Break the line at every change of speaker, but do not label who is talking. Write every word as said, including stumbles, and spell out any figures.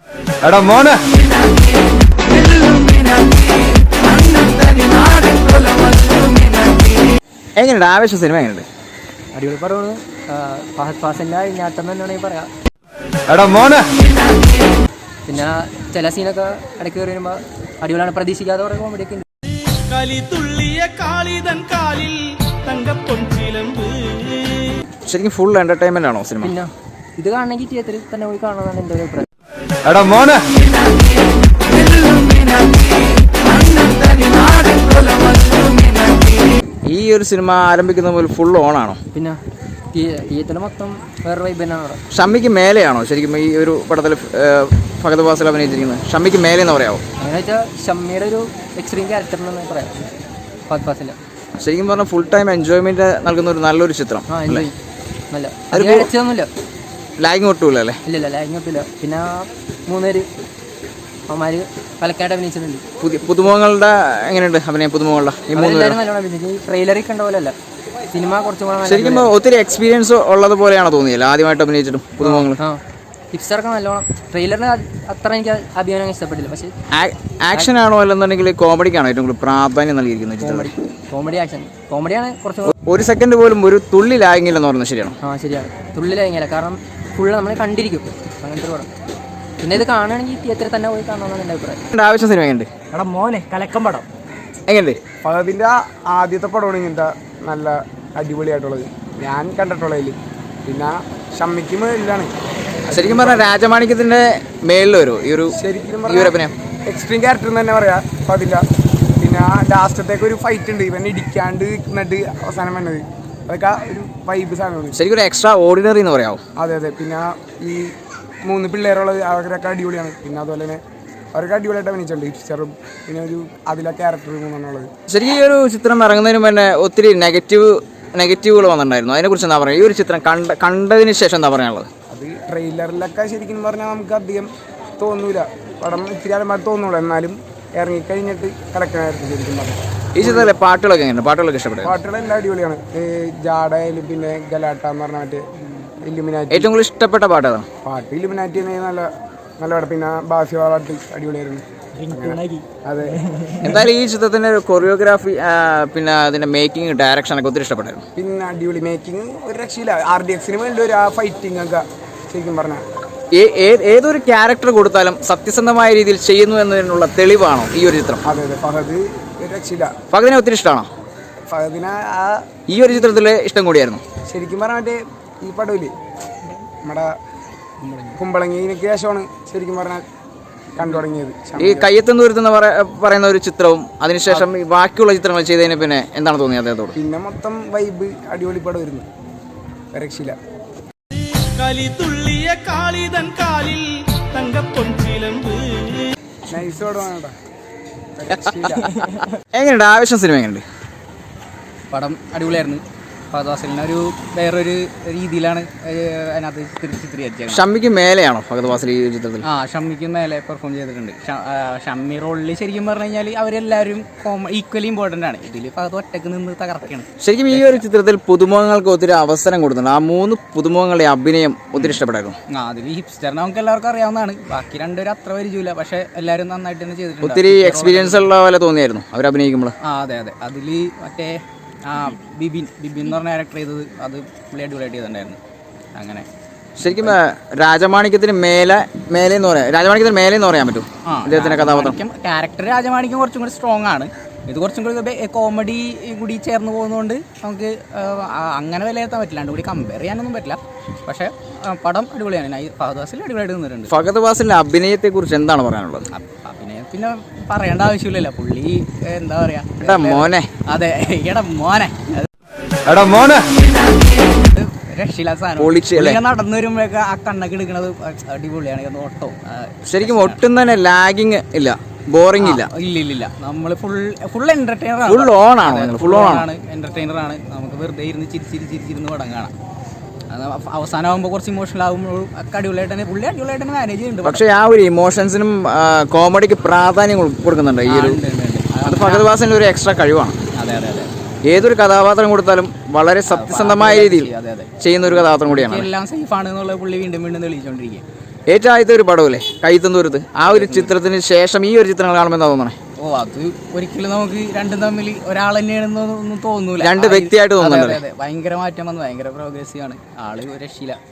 എടാ മോനെ എങ്ങനെയുണ്ട് ആവേശ സിനിമ? എങ്ങനെയുണ്ട്?
അടിപൊളി പടമാണ്. ഫഹദ് ഫാസിലിന്റെ അഴിഞ്ഞാട്ടം തന്നെയാണെങ്കിൽ പറയാം.
എടാ മോനെ
പിന്നെ ചില സീനൊക്കെ ഇടയ്ക്ക് കയറി വരുമ്പോൾ അടിപൊളിയാണ്. പ്രതീക്ഷിക്കാതെ കുറെ കോമഡി ഒക്കെ ഉണ്ട്.
ശരിക്കും ഫുൾ എന്റർടൈൻമെന്റ് ആണോ സിനിമ?
പിന്നെ ഇത് കാണണമെങ്കിൽ തിയേറ്ററിൽ തന്നെ പോയി കാണണമെന്നാണ് എൻ്റെ ഒരു അഭിപ്രായം.
എടാ മോനെ ഈ ഒരു സിനിമ ആരംഭിക്കുന്ന പോലെ ഫുൾ ഓൺ ആണോ?
പിന്നെ തിയേറ്ററിൽ മൊത്തം വേറെ വൈബ് തന്നെയാണ് അവിടെ.
ഷമ്മിക്ക് മേലെയാണോ ശരിക്കും ഈ ഒരു പടത്തിൽ ഫഹദ് ഫാസിൽ അഭിനയിച്ചിരിക്കുന്നത്? ഷമ്മിക്ക് മേലെ എന്ന് പറയാമോ?
അങ്ങനെ വെച്ചാൽ ഷമ്മിയുടെ ഒരു എക്സ്ട്രീം ക്യാരക്ടർ എന്ന് പറയാം ഫഹദ് ഫാസിൽ.
ശരിക്കും പറഞ്ഞാൽ ഫുൾ ടൈം എൻജോയ്മെന്റ് നൽകുന്ന ഒരു നല്ലൊരു ചിത്രം.
ആ എൻജോയ് നല്ല അടിച്ചൊന്നുമില്ല.
ലാഗിങ് ഒട്ടുമില്ല അല്ലേ?
ഇല്ലില്ല ലാഗിങ് ഒട്ടുമില്ല. പിന്നെ മൂന്നുപേര് അവന്മാര് പലക്കായിട്ട് അഭിനയിച്ചിട്ടുണ്ട്.
പുതിയ പുതുമുഖങ്ങളുടെ എങ്ങനെയുണ്ട് അഭിനയം? പുതുമുഖങ്ങളുടെ ഈ മൂന്ന്
നല്ലോണം അഭിനയിച്ചു. ഈ ട്രെയിലറിൽ കണ്ട പോലെ അല്ല സിനിമ കുറച്ചും കൂടെ
ശരിക്കും ഒത്തിരി എക്സ്പീരിയൻസ് ഉള്ളത് പോലെയാണോ തോന്നിയല്ലോ ആദ്യമായിട്ട് അഭിനയിച്ചിട്ടും പുതുമുഖങ്ങൾ?
ആ ഹിപ്സ്റ്ററൊക്കെ നല്ലോണം. ട്രെയിലറിന് അത്ര എനിക്ക് അഭിനയം ഇഷ്ടപ്പെട്ടില്ല. പക്ഷേ
ആക്ഷൻ ആണോ അല്ലെന്നുണ്ടെങ്കിൽ കോമഡിക്കാണോ ഏറ്റവും കൂടുതൽ പ്രാധാന്യം നൽകിയിരിക്കുന്നത്?
കോമഡി കോമഡി ആക്ഷൻ കോമഡിയാണ് കുറച്ച്.
ഒരു സെക്കൻഡ് പോലും ഒരു തുള്ളി ലാഗിങ്ങില്ലെന്ന് പറയുന്നത് ശരിയാണോ?
ആ ശരിയാണ്. തുള്ളി ലാഗിങ്ങില്ല. കാരണം ഫുള്ള് നമ്മൾ കണ്ടിരിക്കും അങ്ങനത്തെ പടം. പിന്നെ ഇത് കാണുകയാണെങ്കിൽ തിയേറ്ററിൽ തന്നെ പോയി കാണണമെന്നാണ് എൻ്റെ അഭിപ്രായം.
ആവശ്യം സിനിമ എങ്ങനെയുണ്ട്?
എടാ മോനെ കലക്കം പടം
എങ്ങനെയുണ്ട്?
ഫഹദിൻ്റെ ആദ്യത്തെ പടമാണ് ഇങ്ങനത്തെ നല്ല അടിപൊളിയായിട്ടുള്ളത് ഞാൻ കണ്ടിട്ടുള്ളതിൽ. പിന്നെ ഷമ്മിക്ക് മേളിലാണ്.
ശരിക്കും പറഞ്ഞാൽ രാജമാണിക്യത്തിന്റെ മേളിൽ വരുമോ ഈ ഒരു
ശരിക്കും
അഭിനയം?
എക്സ്ട്രീം ക്യാരക്ടർ എന്ന് തന്നെ പറയാം ഫഹദിൻ്റെ. പിന്നെ ലാസ്റ്റത്തേക്ക് ഒരു ഫൈറ്റ് ഉണ്ട്, ഇവൻ ഇടിക്കാണ്ട് നിന്നിട്ട് അവസാനം വന്നത്. അതൊക്കെ ഒരു വൈബ് സാധനമാണ്.
ശരിക്കും ഒരു എക്സ്ട്രാ ഓർഡിനറി എന്ന് പറയാമോ?
അതെ അതെ. പിന്നെ ഈ മൂന്ന് പിള്ളേരുള്ളത് അവരൊക്കെ അടിപൊളിയാണ്. പിന്നെ അതുപോലെ തന്നെ അവരൊക്കെ അടിപൊളിയായിട്ട് അഭിനയിച്ചിട്ടുണ്ട്. ഹിപ്സ്റ്ററും പിന്നെ ഒരു അതിലെ ക്യാരക്ടർ മൂന്നെണ്ണുള്ളത്.
ശരിക്കും ഈ ഒരു ചിത്രം ഇറങ്ങുന്നതിന് മുന്നേ ഒത്തിരി നെഗറ്റീവ് നെഗറ്റീവുകൾ വന്നിട്ടുണ്ടായിരുന്നു. അതിനെക്കുറിച്ച് എന്താ പറയുക? ഈ ഒരു ചിത്രം കണ്ട കണ്ടതിന് ശേഷം എന്താ പറയാനുള്ളത്?
അത് ട്രെയിലറിലൊക്കെ ശരിക്കും പറഞ്ഞാൽ നമുക്ക് അധികം തോന്നൂല. പടം ഇത്തിരി ആലമായിട്ട് തോന്നുള്ളൂ. എന്നാലും ഇറങ്ങിക്കഴിഞ്ഞിട്ട് കലക്കനായിരുന്നു ശരിക്കും പറഞ്ഞാൽ.
ഈ ചിത്രത്തിലെ പാട്ടുകളൊക്കെ എങ്ങനെയാണ്? പാട്ടുകളൊക്കെ ഇഷ്ടപ്പെട്ടു?
പാട്ടുകളെല്ലാം അടിപൊളിയാണ്. ജാഡയിലും പിന്നെ ഗലാട്ട എന്ന് പറഞ്ഞ മറ്റേ ഇല്ലുമിനാറ്റി
ഏറ്റവും കൂടുതൽ ഇഷ്ടപ്പെട്ട പാട്ട് ഏതാണ്?
പാട്ട് ഇല്ലുമിനാറ്റി നല്ല നല്ല പാട്ട്. പിന്നെ ബാസിയ പാട്ട് അടിപൊളിയായിരുന്നു. അതെ.
എന്തായാലും ഈ ചിത്രത്തിന്റെ കൊറിയോഗ്രാഫി പിന്നെ അതിന്റെ മേക്കിംഗ് ഡയറക്ഷൻ ഒക്കെ ഒത്തിരി ഇഷ്ടപ്പെട്ടായിരുന്നു.
പിന്നെ അടിപൊളി മേക്കിംഗ് ഒരു രക്ഷയില്ല. ആർ ഡി എക്സിന് വേണ്ടി ഒരു ആ ഫൈറ്റിംഗ് ഒക്കെ ശരിക്കും പറഞ്ഞാൽ
ഏതൊരു ക്യാരക്ടർ കൊടുത്താലും സത്യസന്ധമായ രീതിയിൽ ചെയ്യുന്നു എന്നതിനുള്ള തെളിവാണോ ഈ ഒരു ചിത്രം?
അതെ അതെ. ഫഹദ് ഒരു രക്ഷയില്ല.
ഫഹദിനെ ഒത്തിരി ഇഷ്ടമാണോ?
ഫഹദിനെ ആ
ഈ ഒരു ചിത്രത്തിലെ ഇഷ്ടം കൂടിയായിരുന്നു
ശരിക്കും പറഞ്ഞാൽ. മറ്റേ ഈ പടവില് നമ്മുടെ കുമ്പളങ്ങിക്ക് ശേഷമാണ് ശരിക്കും പറഞ്ഞാൽ കണ്ടു തുടങ്ങിയത്.
ഈ കയ്യെത്തും ദൂരത്തെന്ന് പറയുന്ന ഒരു ചിത്രവും അതിനുശേഷം ബാക്കിയുള്ള ചിത്രങ്ങൾ ചെയ്തതിന് പിന്നെ എന്താണ് തോന്നിയത് അദ്ദേഹത്തോട്?
പിന്നെ മൊത്തം വൈബ് അടിപൊളി പടം വരുന്നു. രക്ഷയില്ല. നൈസ് പടമാണ്.
എങ്ങനെയുണ്ട് ആവേശം സിനിമ? എങ്ങനെയുണ്ട്
പടം? അടിപൊളിയായിരുന്നു. ഫഹദ് ഫാസിലിനെ ഒരു വേറൊരു രീതിയിലാണ് അതിനകത്ത് ചിത്രീകരിച്ചത്.
ഷമ്മിക്ക് മേലെയാണോ ഫഹദ് ഫാസിൽ ഈ ചിത്രത്തിൽ?
ആ ഷമ്മിക്ക് മേലെ പെർഫോം ചെയ്തിട്ടുണ്ട്. ഷമ്മി റോളിൽ ശരിക്കും പറഞ്ഞു കഴിഞ്ഞാൽ അവരെല്ലാവരും ഈക്വലി ഇമ്പോർട്ടൻ്റ് ആണ്. ഇതിൽ ഫഹദ് ഒറ്റക്ക് നിന്ന് തകർക്കുകയാണ്.
ശരിക്കും ഈ ഒരു ചിത്രത്തിൽ പുതുമുഖങ്ങൾക്ക് ഒത്തിരി അവസരം കൊടുക്കുന്നുണ്ട്. ആ മൂന്ന് പുതുമുഖങ്ങളുടെ അഭിനയം ഒത്തിരി ഇഷ്ടപ്പെട്ടായിരുന്നു.
ആ അതിൽ ഹിപ്സ്റ്ററിനെ നമുക്ക് എല്ലാവർക്കും അറിയാവുന്നതാണ്. ബാക്കി രണ്ടുപേരും അത്ര പരിചയമില്ല. പക്ഷേ എല്ലാവരും നന്നായിട്ട് തന്നെ ചെയ്തിട്ടുണ്ട്.
ഒത്തിരി എക്സ്പീരിയൻസ് ഉള്ള പോലെ തോന്നിയായിരുന്നു അവർ അഭിനയിക്കുമ്പോൾ.
ആ അതെ അതെ. അതിൽ മറ്റേ ആ ബിബിൻ ബിബിൻ എന്ന് പറഞ്ഞ ക്യാരക്ടർ ചെയ്തത് അത് പുള്ളി അടിപൊളിയായിട്ട് ചെയ്തിട്ടുണ്ടായിരുന്നു. അങ്ങനെ
ശരിക്കും രാജമാണിക്യത്തിന് മേലെ മേലെ എന്ന് പറയാം രാജമാണിക്യത്തിന് മേലെ എന്ന് പറയാൻ പറ്റും അദ്ദേഹത്തിന്റെ കഥാപാത്രം.
ക്യാരക്ടർ രാജമാണിക്യം കുറച്ചും കൂടി സ്ട്രോങ് ആണ്. ഇത് കുറച്ചും കൂടി കോമഡി കൂടി ചേർന്ന് പോകുന്നതുകൊണ്ട് നമുക്ക് അങ്ങനെ വിലയിരുത്താൻ പറ്റില്ല. രണ്ടും കൂടി കമ്പയർ ചെയ്യാനൊന്നും പറ്റില്ല. പക്ഷേ പടം അടിപൊളിയാണ്. ഫഹദ് ഫാസിൽ അടിപൊളിയായിട്ട് നിന്നിട്ടുണ്ട്.
ഫഹദ് ഫാസിലിന്റെ അഭിനയത്തെ കുറിച്ച് എന്താണ് പറയാനുള്ളത്?
അഭിനയം പിന്നെ പറയേണ്ട ആവശ്യമില്ലല്ലോ. പുള്ളി എന്താ പറയാ
മോനെ.
അതെ എടാ മോനെ
എടാ മോനെ
രക്ഷയില്ല സാധനം. നടന്നു വരുമ്പോഴൊക്കെ ആ കണ്ണൊക്കെ എടുക്കണത് അടിപൊളിയാണ്. ഓട്ടോ
ശരിക്കും ഒട്ടും തന്നെ ലാഗിങ് ഇല്ല, ബോറിംഗ് ഇല്ല.
ഇല്ല ഇല്ല ഇല്ല. നമ്മൾ ഫുൾ ഫുൾ എന്റർടൈനർ ആണ്.
ഫുൾ ഓൺ ആണ്. ഫുൾ ഓൺ ആണ്.
എന്റർടൈനർ ആണ്. നമുക്ക് വെറുതെ ഇരുന്ന് ചിരിച്ചിരി ചിരിച്ചിരുന്ന് പടം കാണാം. അവസാനമാകുമ്പോൾ കുറച്ച് ഇമോഷണൽ ആകുമ്പോഴും ഒക്കെ അടിപൊളിയായിട്ട് തന്നെ പുള്ളി അടിപൊളിയായിട്ട് തന്നെ മാനേജ് ചെയ്യുന്നുണ്ട്.
പക്ഷേ ആ ഒരു ഇമോഷൻസിനും കോമഡിക്ക് പ്രാധാന്യം കൊടുക്കുന്നുണ്ട് ഈ ഒരു. അത് ഫഹദ് ഫാസിലിന്റെ ഒരു എക്സ്ട്രാ കഴിവാണ്.
അതെ അതെ അതെ.
ഏതൊരു കഥാപാത്രം കൊടുത്താലും വളരെ സത്യസന്ധമായ രീതിയിൽ ചെയ്യുന്ന ഒരു കഥാപാത്രം കൂടിയാണ്.
എല്ലാം സേഫ് ആണ് എന്നുള്ളത് പുള്ളി വീണ്ടും വീണ്ടും തെളിയിച്ചുകൊണ്ടിരിക്കുക.
ഏറ്റവും ആദ്യത്തെ ഒരു പടമല്ലേ കൈത്തന്തൂരത്ത്, ആ ഒരു ചിത്രത്തിന് ശേഷം ഈ ഒരു ചിത്രങ്ങൾ കാണുമ്പോൾ എന്താ തോന്നണേ?
ഓ അത് ഒരിക്കലും നമുക്ക് രണ്ടും തമ്മിൽ ഒരാൾ തന്നെയാണെന്നൊന്നും തോന്നൂല.
രണ്ട് വ്യക്തിയായിട്ട് തോന്നുന്നുണ്ട്.
അതെ അതെ ഭയങ്കര മാറ്റം വന്നു, ഭയങ്കര പ്രോഗ്രസീവ് ആണ് ആള്, ഒരു രക്ഷയില്ല.